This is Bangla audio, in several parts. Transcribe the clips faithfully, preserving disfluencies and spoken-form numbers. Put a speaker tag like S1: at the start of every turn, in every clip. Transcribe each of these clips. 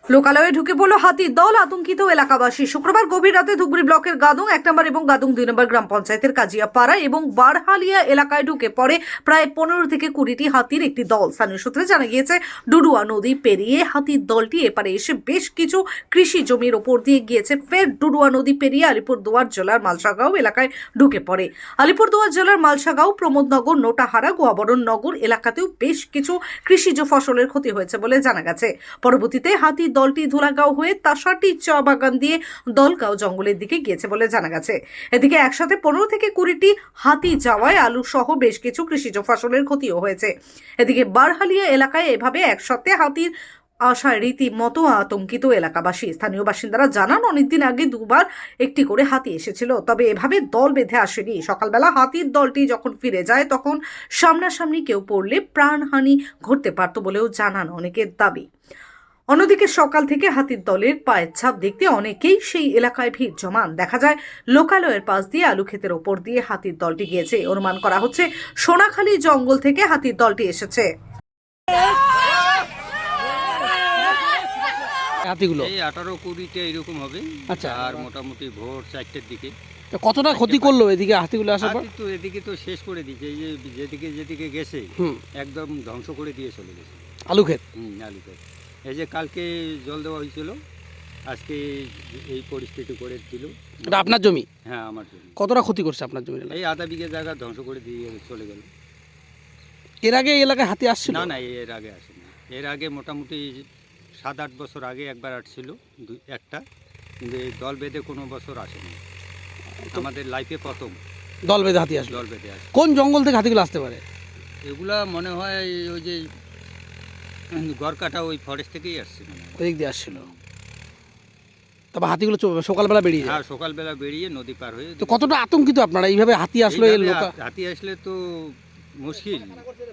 S1: লোকালয়ে ঢুকে পড়ল হাতির দল, আতঙ্কিত এলাকাবাসী। শুক্রবার গভীর রাতে ধুবড়ী ব্লকের গাদং এক নম্বর এবং গাদং দুই নম্বর গ্রাম পঞ্চায়েতের কাজিয়াপাড়া এবং বারহালিয়া এলাকায় ঢুকে পড়ে প্রায় পনেরো থেকে কুড়িটি হাতির একটি দল। স্থানীয় সূত্রে জানা গিয়েছে, ডুডুয়া নদী পেরিয়ে হাতির দলটি এপারে এসে বেশ কিছু কৃষি জমির ওপর দিয়ে গিয়েছে। ফের ডুডুয়া নদী পেরিয়ে আলিপুরদুয়ার জেলার মালসাগাঁও এলাকায় ঢুকে পড়ে। আলিপুরদুয়ার জেলার মালসাগাঁও, প্রমোদনগর, নোটাহারা, গোয়াবরণ নগর এলাকাতেও বেশ কিছু কৃষিজ ফসলের ক্ষতি হয়েছে বলে জানা গেছে। পরবর্তীতে হাতির দলটি ধুলাগাঁও হয়ে তাসাটি চা বাগান দিয়ে দলগাঁও জঙ্গলের দিকে গিয়েছে বলে জানা গেছে। এদিকে একসাথে পনেরো থেকে কুড়িটি হাতি যাওয়ায় আলু সহ বেশ কিছু কৃষিজ ফসলের ক্ষতিও হয়েছে। এদিকে বারহালিয়া এলাকায় এভাবে একসাথে হাতির আশায় রীতিমতো আতঙ্কিত এলাকাবাসী। স্থানীয় বাসিন্দারা জানান, অনেকদিন আগে দুবার একটি করে হাতি এসেছিল, তবে এভাবে দল বেঁধে আসেনি। সকালবেলা হাতির দলটি যখন ফিরে যায় তখন সামনাসামনি কেউ পড়লে প্রাণহানি ঘটতে পারত বলেও জানান অনেকের দাবি। অন্যদিকে সকাল থেকে হাতির দলের পায়ের ছাপ দেখতে অনেকেই সেই এলাকায় ভিড় জমান। দেখা যায় লোকালয়ের পাশ দিয়ে আলু ক্ষেতের ওপর দিয়ে হাতির দলটি গিয়েছে। অনুমান করা হচ্ছে সোনাখালী জঙ্গল থেকে হাতির দলটি এসেছে।
S2: হাতিগুলো
S3: এই আঠারো কুড়িটা এরকম হবে।
S2: আচ্ছা।
S3: আর মোটামুটি ভোর চারটের দিকে
S2: তো কতটা ক্ষতি করলো এদিকে হাতিগুলো আসার পর?
S3: হাতি তো এদিকে তো শেষ করে দিয়েছে, এই যে যেদিকে যেদিকে গেছে
S2: হুম
S3: একদম ধ্বংস করে দিয়ে চলে গেছে।
S2: আলু ক্ষেত।
S3: হুম আলু ক্ষেত। এই যে কালকে জল দেওয়া হয়েছিল, আজকে এই পরিস্থিতি করে দিল।
S2: এটা আপনার জমি?
S3: হ্যাঁ আমার জমি।
S2: কতটা ক্ষতি করছে আপনার জমি?
S3: এই আধা বিঘে জায়গা ধ্বংস করে দিয়ে চলে গেল।
S2: এর আগে এই এলাকায় হাতি আসছিল?
S3: না না, এর আগে আসেনি। এর আগে মোটামুটি সাত আট বছর আগে একবার আসছিল দুই একটা, কিন্তু এই দল বেঁধে কোনো বছর আসেনি। আমাদের লাইফে প্রথম
S2: দল বেঁধে হাতি আসলো।
S3: দল বেঁধে আসে।
S2: কোন জঙ্গল থেকে হাতিগুলো আসতে পারে?
S3: এগুলা মনে হয় ওই যে গড়কাটা ওই ফরেস্ট থেকেই আসছে মনে হয়।
S2: ওই দিক দিয়ে আসছিল। তারপর হাতিগুলো চ- সকালবেলা বেরিয়ে যায়।
S3: হ্যাঁ সকালবেলা বেরিয়ে নদী পার হয়ে।
S2: তো কতটা আতঙ্কিত আপনারা এইভাবে হাতি আসলো? এই
S3: এইভাবে
S2: লোকা
S3: হাতি আসলে তো মুশকিল।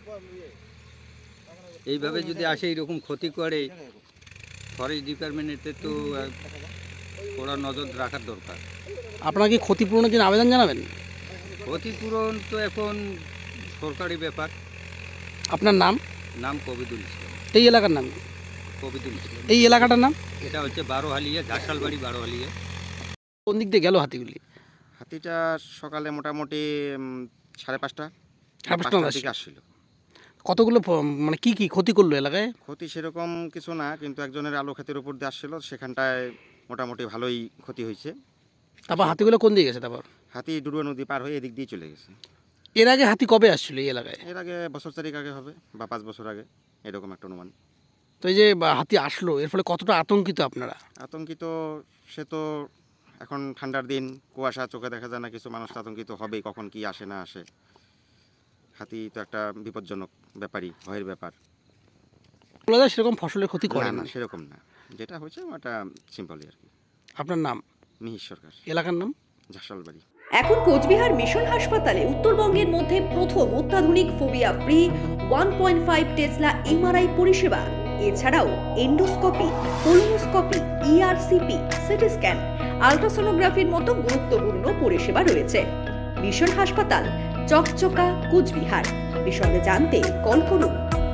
S3: এইভাবে যদি আসে এরকম ক্ষতি করে, ফরেস্ট ডিপার্টমেন্টের তো আহ, ওরা নজর রাখার দরকার।
S2: আপনারা কি ক্ষতিপূরণের জন্য আবেদন জানাবেন?
S3: ক্ষতিপূরণ তো এখন সরকারি ব্যাপার।
S2: আপনার নাম?
S3: নাম কবিদুল ইসলাম।
S2: এই এলাকার নাম কি?
S3: কবিদুল ইসলাম।
S2: এই এলাকাটার নাম?
S3: এটা হচ্ছে বারোহালিয়া, ঝাঁসালবাড়ি বারোহালিয়া।
S2: কোন দিক দিয়ে গেল হাতিগুলি?
S4: হাতিটা সকালে মোটামুটি উম, সাড়ে পাঁচটা
S2: সাড়ে পাঁচটার
S4: পাঁচটার
S2: দিকে
S4: দিকে আসছিল।
S2: কতগুলো ফ- মানে কি কি ক্ষতি করলো এলাকায়?
S4: ক্ষতি সেরকম কিছু না, কিন্তু একজনের আলু ক্ষেতের উপর দিয়ে আসছিল, সেখানটায় মোটামুটি ভালোই ক্ষতি হয়েছে।
S2: তারপর হাতিগুলো কোন দিকে গেছে? তারপর
S4: হাতি ডুডুয়া নদী পার হয়ে এদিক দিয়ে চলে গেছে।
S2: এর আগে হাতি কবে আসছিল এই এলাকায়?
S4: এর আগে বছর চারিক আগে হবে বা পাঁচ বছর আগে, এরকম একটা অনুমান।
S2: তো এই যে বা, হাতি আসলো, এর ফলে কতটা আতঙ্কিত আপনারা?
S4: আতঙ্কিত সে তো এখন ঠান্ডার দিন, কুয়াশা, চোখে দেখা যায় না, কিছু মানুষ তো আতঙ্কিত হবেই, কখন কি আসে না আসে। হাতি তো একটা বিপজ্জনক ব্যাপারই, ভয়ের ব্যাপার।
S2: বলা যায় সেরকম ফসলের ক্ষতি করে
S4: না
S2: না।
S4: না, সেরকম না, যেটা হয়েছে ওটা সিম্পলই আর কি।
S2: আপনার নাম?
S4: মিহির সরকার,
S2: এলাকার নাম?
S4: ঝাঁসালবাড়ি।
S5: এখন কোচবিহার মিশন হাসপাতালে উত্তরবঙ্গের মধ্যে প্রথম অত্যাধুনিক phobia free one point five tesla MRI পরিষেবা। এছাড়াও endoscopy, colonoscopy, ERCP, CT scan, আলট্রাসোনোগ্রাফির মতো গুরুত্বপূর্ণ পরিষেবা রয়েছে। মিশন হাসপাতাল, চকচকা, কোচবিহার। বিশদে জানতে কল করুন।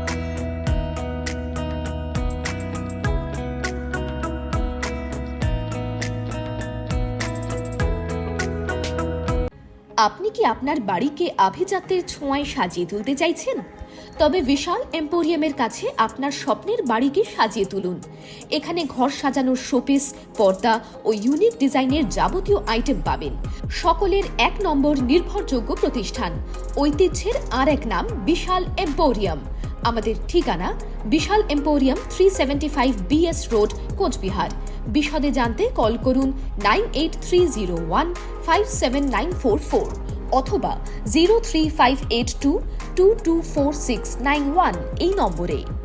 S6: আপনি কি আপনার বাড়িকে আভিজাত্যের ছোঁয়ায় সাজিয়ে তুলতে চাইছেন? তবে বিশাল এম্পোরিয়ামের কাছে আপনার স্বপ্নের বাড়িকে সাজিয়ে তুলুন। এখানে ঘর সাজানোর শোপিস, পর্দা ও ইউনিক ডিজাইনের যাবতীয় আইটেম পাবেন। সকলের এক নম্বর নির্ভরযোগ্য প্রতিষ্ঠান। ঐতিহ্যের আর এক নাম বিশাল এম্পোরিয়াম। আমাদের ঠিকানা বিশাল emporium, three seventy five BS road, Cooch Behar. বিশদে জানতে কল করুন nine eight three zero one five seven nine four four অথবা zero three five eight two two two four six nine one এই নম্বরে।